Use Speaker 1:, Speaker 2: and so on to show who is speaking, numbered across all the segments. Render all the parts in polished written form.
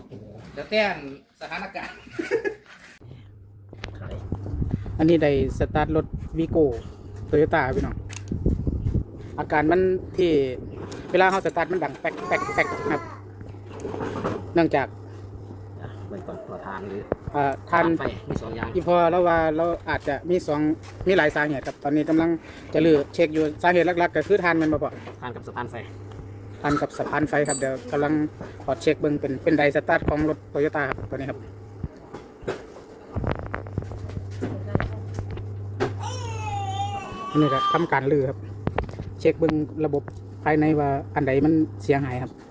Speaker 1: จะแต้นสถานการณ์
Speaker 2: อันนี้ได้สตาร์ทรถวีโก้โตโยต้าพี่น้องอาการมันที่เวลาเขาสตาร์ทมันดังแป๊กแป๊กแป๊กครับเนื่องจาก
Speaker 3: มันก่อนตัวทานหรือ
Speaker 2: ทาน
Speaker 3: ไฟมี2อย่าง
Speaker 2: อีพอแล้วว่าเราอาจจะมีหลายสาเหตุครับตอนนี้กำลังจะลือเช็คอยู่สาเหตุหลักๆก็คือทานมันบ่พอ
Speaker 3: ทานกับสะพานไฟ
Speaker 2: ทานกับสะพานไฟครับเดี๋ยวกำลังถอดเช็คเบิ่งเป็นไดสตาร์ทของรถโตโยต้าครับตัวนี้ครับอันนี้ก็ทำการลือครับเช็คเบิ่งระบบภายในว่าอันใดมันเสียหายครับ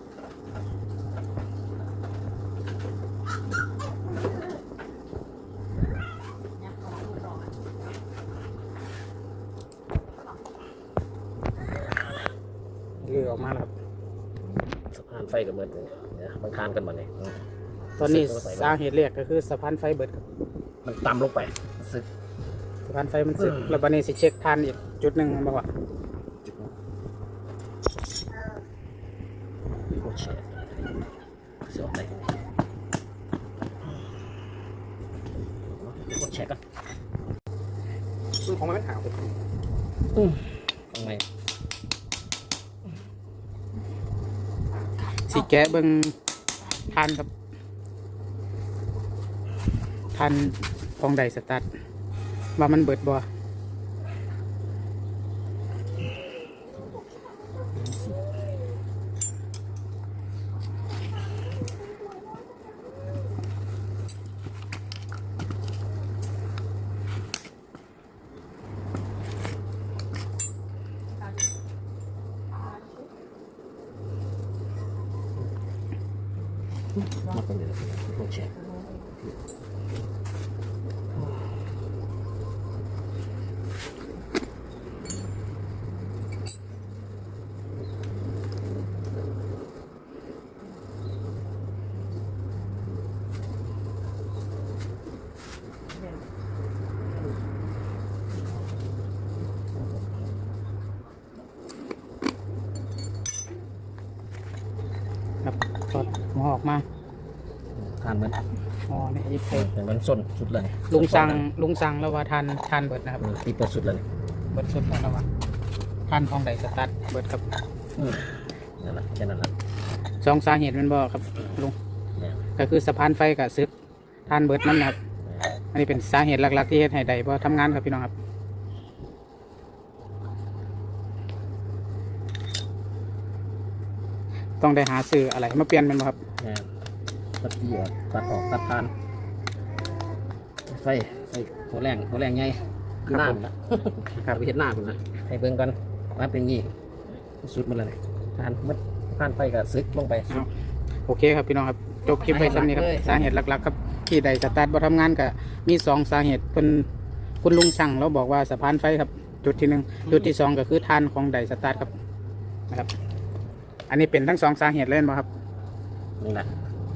Speaker 2: ลือออกมาแล้วครับ
Speaker 3: สะพานไฟกับเหมือนเนี่ยมันคานกันมาเนี่ย
Speaker 2: ตอนนี้สาเหตุแรกก็คือสะพานไฟเบิดครับ
Speaker 3: มันต่ำลงไปสึก
Speaker 2: สะพานไฟมันสึกแล้วบัดนี้สิเช็คทานอีกจุดหนึ่งบอกว่า
Speaker 3: โคเชตเสียบไหนโคเชตกัน
Speaker 1: คือของมันไม่ถาม
Speaker 3: ทำไม
Speaker 2: สิแกะเบิ่งทานครับทานของไดสตาร์ทว่ามันเบิดบ่
Speaker 3: มาเป็นเดือนโคเชต
Speaker 2: ครับถอดหัวออกมา
Speaker 3: ทานเหมือน
Speaker 2: อ๋อนี่อีก
Speaker 3: แต่มันส้นสุดเลย
Speaker 2: ลุงสั่งแล้วว่าทานเบิดนะครับ
Speaker 3: ตีเปิดสุดเลย
Speaker 2: เบิดสุดแล้วว่าทานของไดสตาร์ทเบิดครับ
Speaker 3: นั่นแหละแค่นั้นแหละ
Speaker 2: สองสาเหตุมันบ่ครับลุงก็คือสะพานไฟกับซึกทานเบิดนั่นนะครับอันนี้เป็นสาเหตุหลักๆที่เฮ็ดให้ไดบ่ทำงานครับพี่น้องครับต้องได้หาซื้ออะไรมาเปลี่ยนมันบ่ครับ
Speaker 3: ตัดเกี่ยวตัดออกตัดทานไฟหัวแรงไงหน้าละครับไปเห็นหน้าคุณนะให้เบิ่งกันว่าเป็นงี้สุดมันเลยทานมัดทานไฟกับซึกลงไป
Speaker 2: โอเคครับพี่น้องครับจบคลิปไปซ้ำนี้ครับสาเหตุหลักๆครับที่ไดสตาร์ทบ่ทำงานก็มี2สาเหตุเป็นคุณลุงช่างเราบอกว่าสะพานไฟครับจุดที่1จุดที่2ก็คือทานของไดสตาร์ทครับนะครับอันนี้เป็นทั้ง2สาเหตุเลยบ่ครับ
Speaker 3: นี่แหละ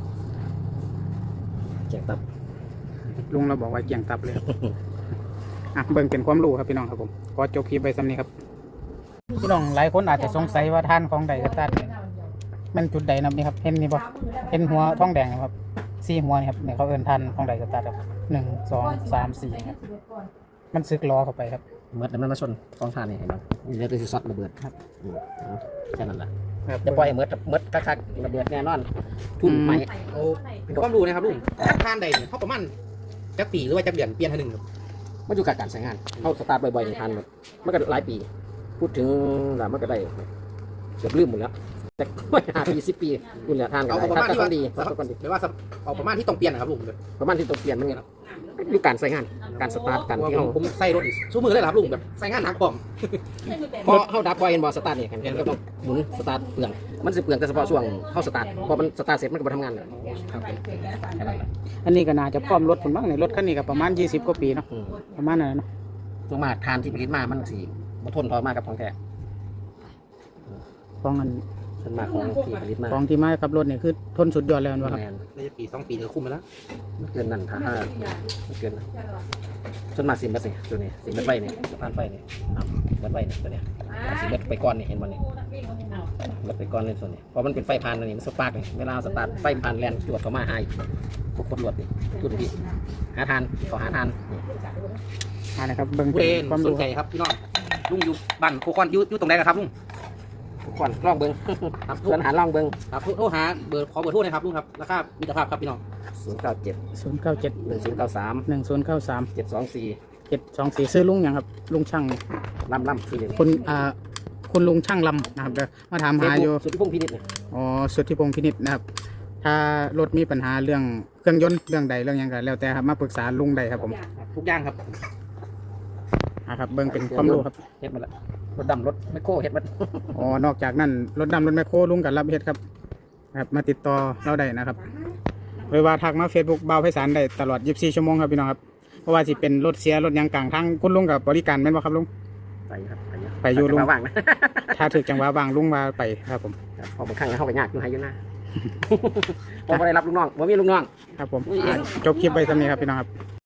Speaker 3: แจกตับ
Speaker 2: ลุงเราบอกว่าเกี่ยงตับเลยครับ เบิ่งเป็นความรู้ครับพี่น้องครับผมขอจบคลิปไปซ้ำนี้ครับพี่น้องหลายคนอาจจะสงสัยว่าทานของไดสตาร์ทมันจุดใดนะนี่ครับเห็นนี่บ่เห็นหัวท้องแดงครับ4หัวนี่ครับเนี่ยเขาเอิ้นทานของไดสตาร์ทครับ1 2 3 4ครับมันซึกล้อเข้าไปครับ
Speaker 3: เมื่อมันมาชนกองทานนี่เห็นไหมนี่เรียกคือซอสระเบิดครับแค่นั้นแหละ
Speaker 2: ครับ
Speaker 3: จะปล่อยเมื่อคักๆระเบิดแน่นอนทุ่มไหม
Speaker 1: โอ้เป็นความรู้นะครับลุงถ้าทานใดเนี่ยเขาประมาณจักปีหรือว่าจักเดือนเปลี่ยนทีหนึ่งครับ
Speaker 3: มันอยู่กับการใช้งานเข้าสตาร์ทบ่อยๆในทานหมดมันก็หลายปี พูดถึงหลามันก็ได้เกือบลืมหมดแล้วแต่5 ปี 10 ปีคุณเหลือทานกัน
Speaker 1: เอา
Speaker 3: ได้
Speaker 1: ประมาณ
Speaker 3: ถ้า
Speaker 1: ที่
Speaker 3: ต้
Speaker 1: ว่า
Speaker 3: องดีต้องดี
Speaker 1: หรือว่าเอาประมาณที่ต้องเปลี่ยนนะครับลุง
Speaker 3: ประมาณที่ต้องเปลี่ยนมันเนี่ยอยู่การใช้งานการสตาร์ทการที่เรา
Speaker 1: ผมใส่รถอีกสู้มือเลยเหรอครับลุงแบบใส่งานหนักพร้อม
Speaker 3: พอเข้าดับไวเอ็นบอสตาร์ทเนี่ยมันก็ต้องหมุนสตาร์ทเปลืองมันจะเปลืองแต่เฉพาะช่วงเข้าสตาร์ทพอมันสตาร์ทเสร็จมันก็มาทำงานเลยครับแค่นั้นแหละ
Speaker 2: อันนี้ก็น่าจะพร้อมรถผมบ้างในรถคันนี้ก็ประมาณ20กว่าปีเนาะประมาณนั้นเนาะ
Speaker 3: ตัวมาทานที่ผลิตมามันสีมาทนพอมากกับของแท้
Speaker 2: ของอัน
Speaker 3: ส่วนมากของที่ผลิตมา
Speaker 2: ของที่มากับรถนี่คือทนสุดยอดแล้วนะครับ
Speaker 3: แมน
Speaker 1: ในปี2 ปีก็คุ้มไปแล้ว
Speaker 3: เกินนั่นถ้าเกินส่วนมากสิบเปอร์เซ็นต์ตัวนี้สิบเปอร์ไฟเนี่ยสะพานไฟเนี่ยเบิดไฟเนี่ยตัวเนี้ยสิบเบิดไปก้อนนี่เห็นมันนี่ลดไปก่อนในส่วนนี้เพราะมันเป็นไฟพานนี่มันสปาร์กนี่เวลาสตาร์ทไฟพานแลนจวดเข้ามาหายพวกคนรวดนี่จุดพี่หาทานขอหาทาน
Speaker 2: นะครับเบิ่ง
Speaker 1: ผู้
Speaker 2: เป็
Speaker 1: เล่
Speaker 2: น
Speaker 1: น
Speaker 2: ความ
Speaker 1: ส
Speaker 2: รู้
Speaker 1: นใจครับพี่น้องลุงอยู่บ้านโคคอนอยู่ตรงไหนกันครับลุง
Speaker 3: ทุกคนลองเบิ้งครับส่วนอาหารลองเบิ้ง
Speaker 1: ครับโทรหาเบอร์ขอเบอร์โทรหนะครับลุงครับราคามิตรภาพครับพี่น้อง
Speaker 3: 097
Speaker 2: 097
Speaker 3: 1093
Speaker 2: 1093
Speaker 3: 724
Speaker 2: 724ซื้อลุงยังครับลุงช่าง
Speaker 3: ล่ำคือเดียว
Speaker 2: คุณลุงช่างลำนะครับเดี๋ยวมาถามหาอยู่
Speaker 3: สุดที่พงพินิจเนี่ย
Speaker 2: อ๋อสุทธิพงศ์พินิจนะครับ ถ้ารถมีปัญหาเรื่องเครื่องยนต์เรื่องใดเรื่องหยังก็แล้วแต่ครับมาปรึกษาลุงใดครับผม
Speaker 1: ทุกอย่างครับ
Speaker 2: ครับเบิ่งเป็นความรู้ครับ
Speaker 3: เฮ็ดมาแล้วรถดำรถไมคโครเฮ็ดมา
Speaker 2: อ๋อนอกจากนั้นรถดำรถแมคโครลุงกับรับเฮ็ดครับครับมาติดต่อเราได้นะครับหรือว่าทักมา Facebook บ่าวไพศาลได้ตลอด24ชั่วโมงครับพี่น้องครับเพราะว่าสิเป็นรถเสียรถหยังกลางทางคุณลุงกับบริการแม่นบ่ครับลุง
Speaker 3: ไปครับ
Speaker 2: ไปอยู่ลุง
Speaker 3: ว่างนะ
Speaker 2: ถ้าถึกจังหวะบางลุงมาไปครับผม
Speaker 3: พอบางครั้งเข้าไปยากอยู่ให้อยู่หน้าผมไม่ได้รับลูกน้องผมมีลูกน้อง
Speaker 2: ครับผมจบคลิปไปสำนี้ครับพี่น้องครับ